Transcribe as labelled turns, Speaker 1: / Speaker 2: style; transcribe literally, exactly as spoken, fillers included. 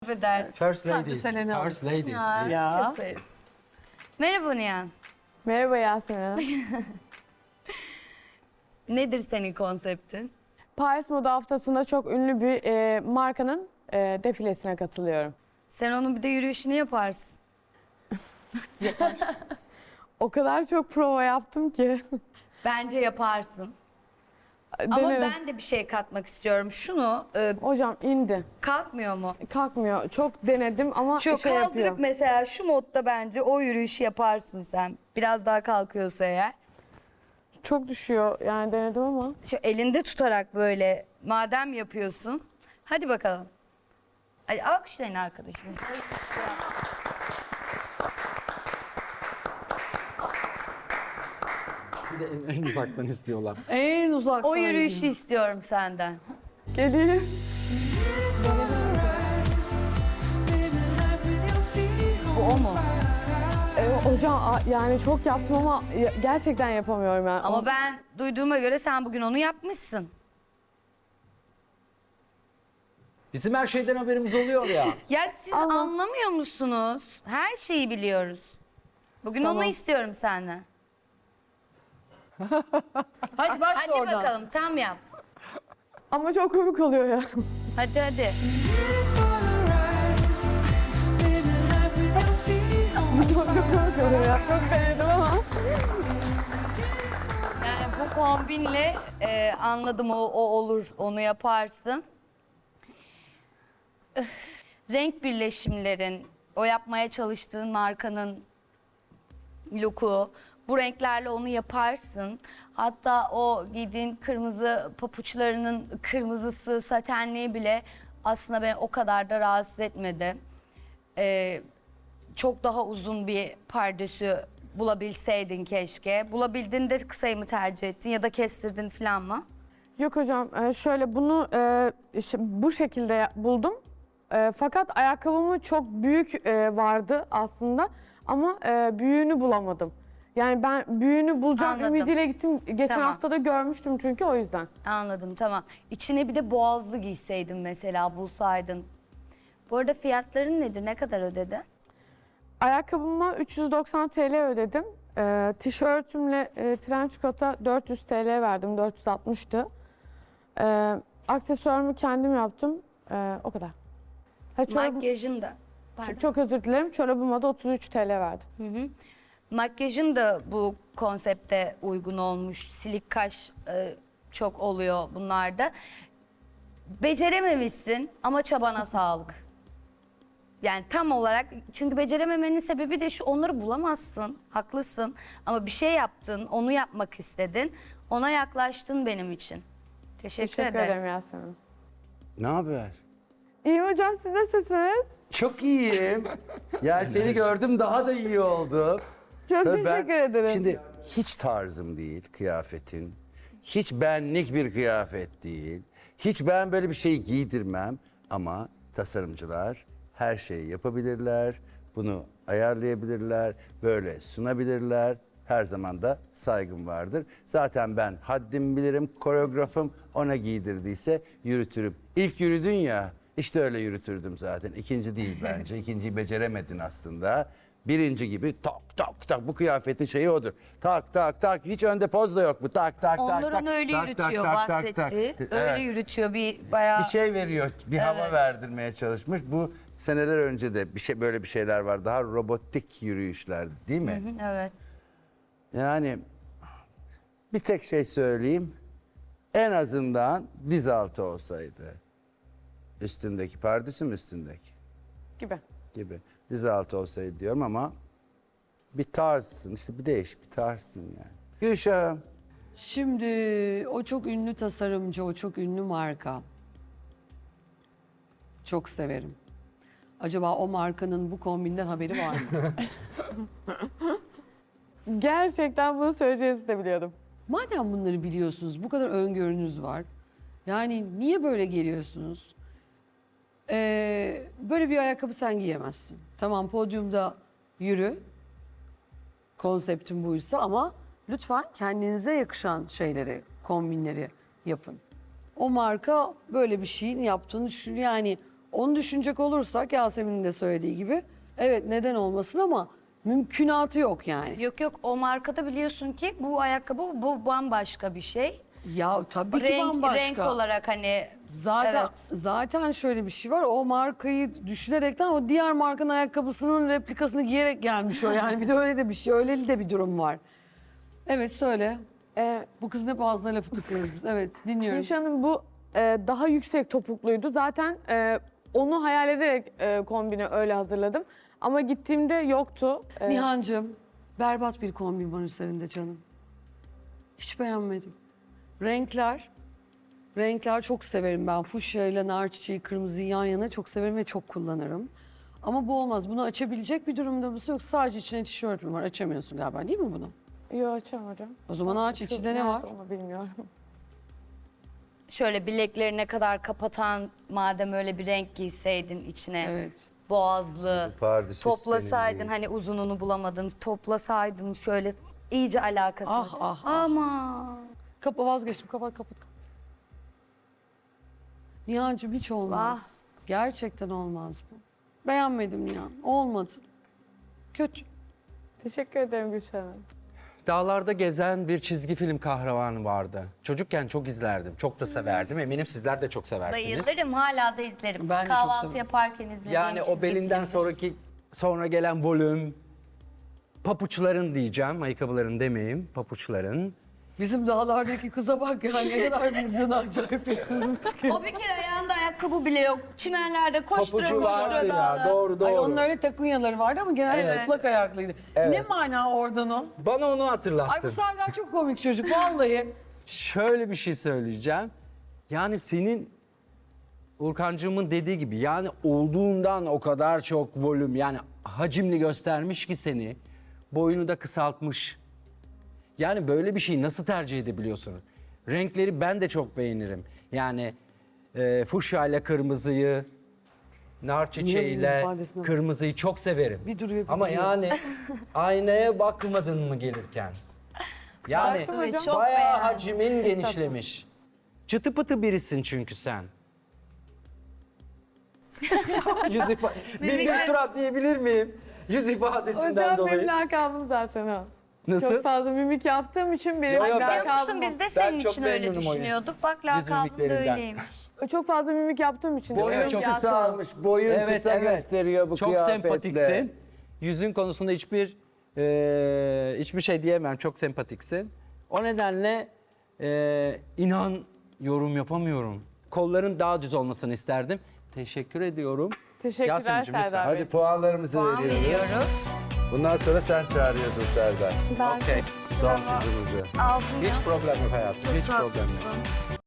Speaker 1: Affedersin.
Speaker 2: First ladies.
Speaker 3: Selena.
Speaker 2: First ladies.
Speaker 1: Ya,
Speaker 2: please.
Speaker 3: Ya.
Speaker 1: Çok severiz. Merhaba Nihan.
Speaker 4: Merhaba Yasemin Hanım.
Speaker 1: Nedir senin konseptin?
Speaker 4: Paris Moda Haftası'nda çok ünlü bir e, markanın e, defilesine katılıyorum.
Speaker 1: Sen onun bir de yürüyüşünü yaparsın.
Speaker 4: O kadar çok prova yaptım ki.
Speaker 1: Bence yaparsın. Ama
Speaker 4: Denerim.
Speaker 1: ben de bir şey katmak istiyorum. Şunu e,
Speaker 4: Hocam indi.
Speaker 1: kalkmıyor mu?
Speaker 4: Kalkmıyor. Çok denedim ama
Speaker 1: Şu
Speaker 4: şey
Speaker 1: kaldırıp
Speaker 4: yapıyor.
Speaker 1: mesela şu modda bence o yürüyüşü yaparsın sen. Biraz daha kalkıyorsa eğer.
Speaker 4: Çok düşüyor. Yani denedim ama.
Speaker 1: Şu elinde tutarak böyle madem yapıyorsun. Hadi bakalım. Hadi alkışlayın arkadaşım.
Speaker 2: Bir de en, en uzaktan istiyorlar.
Speaker 3: En uzak.
Speaker 1: O yürüyüşü istiyorum senden.
Speaker 4: Geleyim.
Speaker 1: Bu o mu?
Speaker 4: E, hocam a- yani çok yaptım ama ya- gerçekten yapamıyorum yani.
Speaker 1: Ama
Speaker 4: O-
Speaker 1: ben duyduğuma göre sen bugün onu yapmışsın.
Speaker 2: Bizim her şeyden haberimiz oluyor ya.
Speaker 1: Ya siz
Speaker 4: Ama-
Speaker 1: anlamıyor musunuz? Her şeyi biliyoruz. Bugün
Speaker 4: Tamam.
Speaker 1: onu istiyorum senden.
Speaker 3: Hadi başla
Speaker 1: Hadi
Speaker 3: oradan.
Speaker 1: bakalım tam yap.
Speaker 4: Ama çok komik oluyor ya.
Speaker 1: Hadi hadi.
Speaker 4: çok çok komik oluyor ya. Çok denedim ama.
Speaker 1: Yani bu kombinle e, anladım o, o olur, onu yaparsın. Öf, renk birleşimlerin, o yapmaya çalıştığın markanın look'u, bu renklerle onu yaparsın. Hatta o giydiğin kırmızı papuçlarının kırmızısı, satenliği bile aslında beni o kadar da rahatsız etmedi. Ee, çok daha uzun bir pardösü bulabilseydin keşke. Bulabildin de kısayı mı tercih ettin ya da kestirdin falan mı?
Speaker 4: Yok hocam e, şöyle bunu e, işte bu şekilde ya- buldum. E, Fakat ayakkabımı çok büyük e, vardı aslında ama e, büyüğünü bulamadım. Yani ben büyüğünü bulacağım
Speaker 1: Anladım.
Speaker 4: ümidiyle gittim. Geçen
Speaker 1: Tamam.
Speaker 4: hafta da görmüştüm çünkü o yüzden.
Speaker 1: Anladım, tamam. İçine bir de boğazlı giyseydin mesela, bulsaydın. Bu arada fiyatların nedir? Ne kadar ödedi?
Speaker 4: Ayakkabıma üç yüz doksan T L ödedim. E, tişörtümle e, trench coat'a dört yüz T L verdim. dört yüz altmıştı. E, aksesuarımı kendim yaptım. E, o kadar. Ha, çorabı-
Speaker 1: Makyajın da. Pardon.
Speaker 4: çok özür dilerim. Çorabıma da otuz üç T L verdim.
Speaker 1: Hı hı. Makyajın da bu konsepte uygun olmuş. Silik kaş e, çok oluyor bunlarda. Becerememişsin ama çabana sağlık. Yani tam olarak, çünkü becerememenin sebebi de şu: onları bulamazsın, haklısın. Ama bir şey yaptın, onu yapmak istedin. Ona yaklaştın benim için. Teşekkür,
Speaker 4: Teşekkür
Speaker 1: ederim.
Speaker 4: ederim Yasemin.
Speaker 5: Ne haber?
Speaker 4: İyiyim hocam, siz nasılsınız?
Speaker 5: Çok iyiyim. Ya seni gördüm daha da iyi oldu.
Speaker 4: Çok
Speaker 5: Tabii ben-
Speaker 4: teşekkür ederim.
Speaker 5: Şimdi hiç tarzım değil kıyafetin. Hiç benlik bir kıyafet değil. Hiç ben böyle bir şey giydirmem. Ama tasarımcılar her şeyi yapabilirler. Bunu ayarlayabilirler. Böyle sunabilirler. Her zaman da saygım vardır. Zaten ben haddimi bilirim. Koreografım ona giydirdiyse yürütürüm. İlk yürüdün ya, işte öyle yürütürdüm zaten. İkinci değil bence. İkinciyi beceremedin aslında. Birinci gibi tak tak tak, bu kıyafetin şeyi odur. Tak tak tak, hiç önde poz da yok bu. Tak tak tak
Speaker 1: Onlar
Speaker 5: tak.
Speaker 1: onu öyle
Speaker 5: tak,
Speaker 1: yürütüyor,
Speaker 5: tak, tak, tak,
Speaker 1: bahsetti.
Speaker 5: tak.
Speaker 1: Öyle
Speaker 5: Evet.
Speaker 1: yürütüyor bir bayağı.
Speaker 5: Bir şey veriyor, bir hava
Speaker 1: Evet.
Speaker 5: verdirmeye çalışmış. Bu seneler önce de bir şey, böyle bir şeyler var. Daha robotik yürüyüşlerdi, değil mi?
Speaker 1: Evet.
Speaker 5: Yani bir tek şey söyleyeyim. En azından diz altı olsaydı. Üstündeki, pardesü mü üstündeki
Speaker 4: Gibi.
Speaker 5: gibi. Diz altı olsaydı diyorum ama bir tarzsın. İşte bir değişik bir tarzsın yani. Gülşah'ım.
Speaker 3: Şimdi o çok ünlü tasarımcı, o çok ünlü marka. Çok severim. Acaba o markanın bu kombinden haberi var mı?
Speaker 4: Gerçekten bunu söyleyeceğinizi de biliyordum.
Speaker 3: Madem bunları biliyorsunuz, bu kadar öngörünüz var. Yani niye böyle geliyorsunuz? Ee, böyle bir ayakkabı sen giyemezsin. Tamam, podyumda yürü. Konseptim buysa ama lütfen kendinize yakışan şeyleri, kombinleri yapın. O marka böyle bir şeyin yaptığını düşünüyor. Yani Onu düşünecek olursak Yasemin'in de söylediği gibi evet neden olmasın ama mümkünatı yok yani.
Speaker 1: Yok yok, o markada biliyorsun ki bu ayakkabı bu bambaşka bir şey.
Speaker 3: Ya tabii ki
Speaker 1: Renk,
Speaker 3: bambaşka.
Speaker 1: renk olarak hani
Speaker 3: Zaten
Speaker 1: evet.
Speaker 3: zaten şöyle bir şey var. O markayı düşünerekten o diğer markanın ayakkabısının replikasını giyerek gelmiş o. Yani bir de öyle de bir şey, öyle de bir durum var. Evet söyle.
Speaker 4: Ee,
Speaker 3: Bu kızın hep ağzına lafı tıklıyoruz biz. Evet dinliyorum.
Speaker 4: Gülşah'ın bu e, daha yüksek topukluydu. Zaten e, onu hayal ederek e, kombini öyle hazırladım. Ama gittiğimde yoktu. E,
Speaker 3: Nihancığım berbat bir kombin var üzerinde canım. Hiç beğenmedim. Renkler, renkler çok severim ben. Fuşya ile nar çiçeği, kırmızıyı yan yana çok severim ve çok kullanırım. Ama bu olmaz. Bunu açabilecek bir durumda mısın yoksa sadece içine tişört mü var? Açamıyorsun galiba değil mi bunu?
Speaker 4: Yok açamam hocam.
Speaker 3: O zaman aç,
Speaker 4: Şu
Speaker 3: içinde ne
Speaker 4: nerede
Speaker 3: var?
Speaker 4: Onu bilmiyorum.
Speaker 1: Şöyle bileklerine kadar kapatan, madem öyle bir renk giyseydin içine,
Speaker 3: Evet.
Speaker 1: boğazlı,
Speaker 5: Pardesüs senin
Speaker 1: toplasaydın
Speaker 5: değil.
Speaker 1: hani uzununu bulamadın, toplasaydın şöyle iyice alakası.
Speaker 3: Ah, ah, ah.
Speaker 1: Ama
Speaker 3: Kapa vazgeçtim. Kapat kapat. kapat. Nihancığım hiç olmaz.
Speaker 1: Vah.
Speaker 3: Gerçekten olmaz bu. Beğenmedim Nihan. Olmadı. Kötü.
Speaker 4: Teşekkür ederim Gülşah Hanım.
Speaker 2: Dağlarda gezen bir çizgi film kahramanı vardı. Çocukken çok izlerdim. Çok da severdim. Eminim sizler de çok seversiniz.
Speaker 1: bayılırım, hala da izlerim.
Speaker 3: Ben de çok
Speaker 1: Kahvaltı
Speaker 3: severim.
Speaker 1: yaparken izlediğim
Speaker 2: Yani o
Speaker 1: çizgi
Speaker 2: belinden
Speaker 1: filmdir.
Speaker 2: sonraki sonra gelen volüm, papuçların diyeceğim, ayakkabıların demeyeyim, papuçların.
Speaker 3: Bizim dağlardaki kıza bak ya ne kadar bizden acayip bir kızmış ki.
Speaker 1: O bir kere ayağında ayakkabı bile yok. Çimenlerde koştura
Speaker 2: Papucu vardı
Speaker 1: koştura
Speaker 2: ya,
Speaker 1: dağda.
Speaker 2: doğru doğru.
Speaker 3: Ay onun öyle takunyaları vardı ama genelde
Speaker 1: Evet.
Speaker 3: çıplak ayaklıydı.
Speaker 2: Evet.
Speaker 3: Ne mana oradan o?
Speaker 2: Bana onu
Speaker 3: Ay bu
Speaker 2: hatırlattın.
Speaker 3: Serdar çok komik çocuk vallahi.
Speaker 2: Şöyle bir şey söyleyeceğim. Yani senin Urkancığımın dediği gibi yani olduğundan o kadar çok volüm yani hacimli göstermiş ki seni boyunu da kısaltmış. Yani böyle bir şeyi nasıl tercih edebiliyorsun? Renkleri ben de çok beğenirim. Yani e, fuşya ile kırmızıyı, nar çiçeğiyle
Speaker 3: ifadesine bak.
Speaker 2: kırmızıyı çok severim.
Speaker 3: Bir duruyor, bir
Speaker 2: Ama
Speaker 3: duruyor.
Speaker 2: yani aynaya bakmadın mı gelirken? Yani
Speaker 4: Baktım hocam.
Speaker 1: Çok
Speaker 2: bayağı
Speaker 1: beğendim.
Speaker 2: hacimin genişlemiş. Çıtı pıtı birisin çünkü sen. Yüz ifa- bir, bir surat diyebilir miyim? Yüz ifadesinden
Speaker 4: Hocam
Speaker 2: dolayı.
Speaker 4: benim lakabım zaten o.
Speaker 2: Nasıl?
Speaker 4: Çok fazla mimik yaptığım için benim
Speaker 2: Yo, yo, ben-
Speaker 1: Biliyor
Speaker 4: lakabım
Speaker 1: musun
Speaker 4: o.
Speaker 1: biz de
Speaker 2: Ben
Speaker 1: senin
Speaker 2: çok
Speaker 1: için öyle
Speaker 2: memnunum o yüz-
Speaker 1: düşünüyorduk. Bak
Speaker 2: yüz
Speaker 1: lakabın da
Speaker 2: mimiklerinden.
Speaker 1: öyleymiş.
Speaker 4: Çok fazla mimik yaptığım için. de
Speaker 5: Boyun
Speaker 4: mimik
Speaker 2: çok
Speaker 4: yaptım.
Speaker 5: kısalmış, boyun kısa gösteriyor bu
Speaker 2: Çok
Speaker 5: kıyafetle.
Speaker 2: sempatiksin. Yüzün konusunda hiçbir e, hiçbir şey diyemem. Çok sempatiksin. O nedenle e, inan yorum yapamıyorum. Kolların daha düz olmasını isterdim. Teşekkür ediyorum.
Speaker 4: Teşekkürler
Speaker 2: Yasemin'cim, lütfen.
Speaker 4: Serdar Bey.
Speaker 5: Hadi puanlarımızı
Speaker 1: Puan
Speaker 5: veriyoruz.
Speaker 1: veriyoruz.
Speaker 5: Bundan sonra sen çağırıyorsun Serdar.
Speaker 4: Ben
Speaker 2: Okey.
Speaker 5: Son kızımızı.
Speaker 1: Aldım ya.
Speaker 2: Hiç problem yok hayatım. Hiç problem yok.
Speaker 1: Tatlısın.